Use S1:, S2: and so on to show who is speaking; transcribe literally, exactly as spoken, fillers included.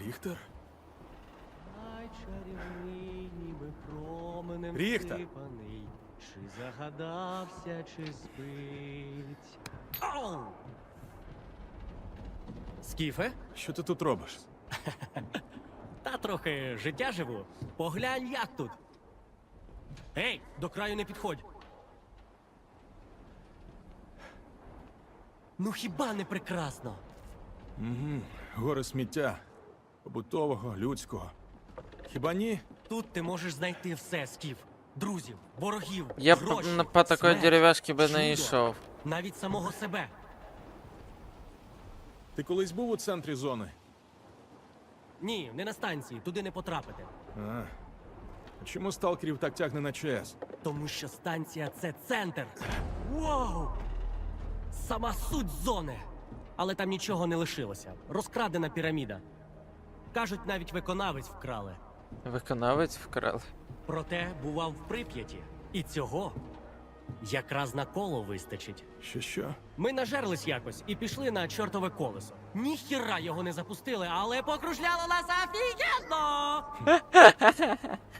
S1: Ріхтер?
S2: Ай, чарівний, ніби променем
S1: Ріхтер!
S2: сипаний. Чи загадався, чи спить. Ау! Скіфе?
S1: Що ти тут робиш?
S2: Та трохи життя живу. Поглянь, як тут. Ей, до краю не підходь. Ну хіба не прекрасно?
S1: Угу. Гори сміття. Побутового, людського. Хіба ні?
S2: Тут ти можеш знайти все, Скіф. Друзів, ворогів,
S3: Я по,
S2: гроші,
S3: на- по такой
S2: смерть,
S3: деревяшке бы
S2: чудо,
S3: не йшов.
S2: навіть самого себе.
S1: Ти колись був у центрі зони?
S2: Ні, не на станції, туди не потрапити.
S1: А. А чому сталкерів так тягне на ЧАЕС?
S2: Тому що станція — це центр. Вау! Сама суть зони. Але там нічого не лишилося. Розкрадена піраміда. Кажуть, навіть виконавець вкрали.
S3: Виконавець вкрали.
S2: Проте бував в Прип'яті. І цього якраз на коло вистачить.
S1: Що що?
S2: Ми нажерлись якось і пішли на чортове колесо. Ніхіра його не запустили, але покружляло нас офігенно!